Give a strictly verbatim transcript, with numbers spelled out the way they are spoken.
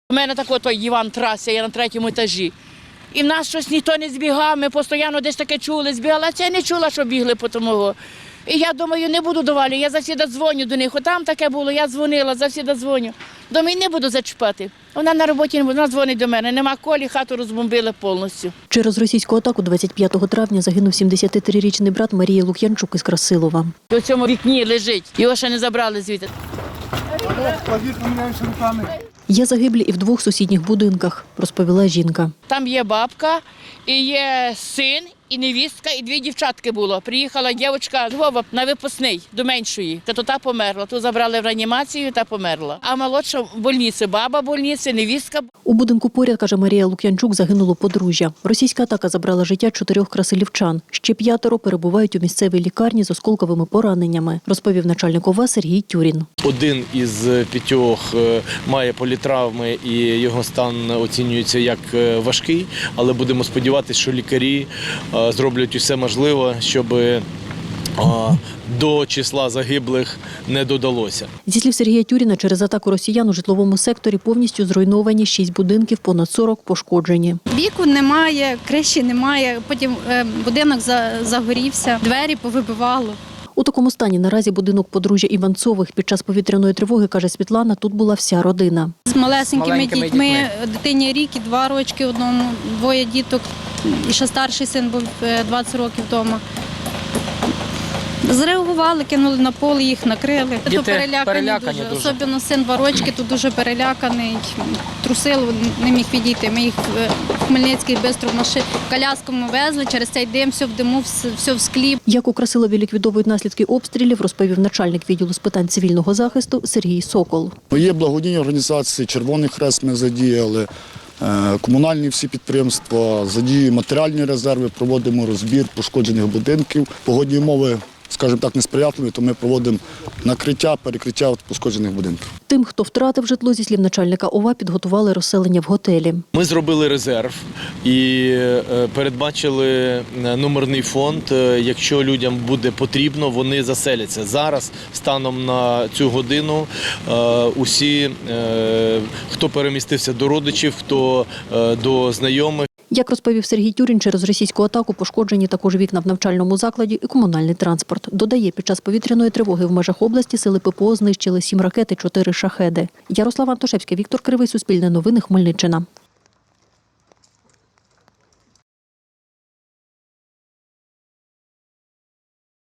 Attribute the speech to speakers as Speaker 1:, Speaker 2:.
Speaker 1: У мене такий той Іван Трася, я на третьому етажі. І в нас щось ніхто не збігав, ми постійно десь таке чули, збігали, а це я не чула, що бігли по тому. І я думаю, не буду довалі, я завжди дзвоню до них. От там таке було, я дзвонила, завжди дзвоню. Думаю, не буду зачіпати. Вона на роботі не буде, вона дзвонить до мене. Нема колі, хату розбомбили повністю.
Speaker 2: Через російську атаку двадцять п'ятого травня загинув сімдесятитрирічний брат Марії Лук'янчук із Красилова.
Speaker 1: У цьому вікні лежить, його ще не забрали звідти.
Speaker 2: Є загиблі і в двох сусідніх будинках, розповіла жінка.
Speaker 1: Там є бабка, і є син, і невістка, і дві дівчатки було. Приїхала дівчинка з Львова на випускний до меншої, та то та померла. Ту забрали в реанімацію та померла. А молодша в больниці, баба в больниці, невістка.
Speaker 2: У будинку поряд, каже Марія Лук'янчук, загинуло подружжя. Російська атака забрала життя чотирьох красилівчан. Ще п'ятеро перебувають у місцевій лікарні з осколковими пораненнями, розповів начальник ОВА Сергій Тюрін.
Speaker 3: Один із п'ятьох має політравми і його стан оцінюється як важкий, але будемо сподіватися, що лікарі зроблять усе можливе, щоб до числа загиблих не додалося.
Speaker 2: Зі слів Сергія Тюріна, через атаку росіян у житловому секторі повністю зруйновані шість будинків, понад сорок пошкоджені.
Speaker 4: Віку немає, криші немає, потім будинок загорівся, двері повибивало.
Speaker 2: У такому стані наразі будинок подружжя Іванцових. Під час повітряної тривоги, каже Світлана, тут була вся родина.
Speaker 4: З малесенькими,
Speaker 5: маленькими
Speaker 4: дітьми,
Speaker 5: дітьми.
Speaker 4: дитині рік і два рочки одному, двоє діток. І ще старший син був двадцять років вдома. Зреагували, кинули на поле, їх накрили.
Speaker 5: Діти
Speaker 4: То перелякані,
Speaker 5: перелякані
Speaker 4: дуже.
Speaker 5: дуже.
Speaker 4: Особливо син два рочки, тут дуже переляканий. Трусило, не міг відійти. Ми їх в Хмельницький швидко в машині, колясками везли, через цей дим, все в диму, все в склі.
Speaker 2: Як у Красилові ліквідовують наслідки обстрілів, розповів начальник відділу з питань цивільного захисту Сергій Сокол.
Speaker 6: Є благодійні організації, Червоний Хрест ми задіяли, комунальні всі підприємства, задіюємо матеріальні резерви, проводимо розбір пошкоджених будинків. Погодні умови, скажімо так, несприятливі, то ми проводимо накриття, перекриття пошкоджених будинків.
Speaker 2: Тим, хто втратив житло, зі слів начальника ОВА, підготували розселення в готелі.
Speaker 3: Ми зробили резерв і передбачили номерний фонд. Якщо людям буде потрібно, вони заселяться. Зараз, станом на цю годину, усі, хто перемістився до родичів, хто до знайомих.
Speaker 2: Як розповів Сергій Тюрін, через російську атаку пошкоджені також вікна в навчальному закладі і комунальний транспорт. Додає, під час повітряної тривоги в межах області сили ППО знищили сім ракет і чотири шахеди. Ярослава Антошевська, Віктор Кривий, Суспільне новини, Хмельниччина.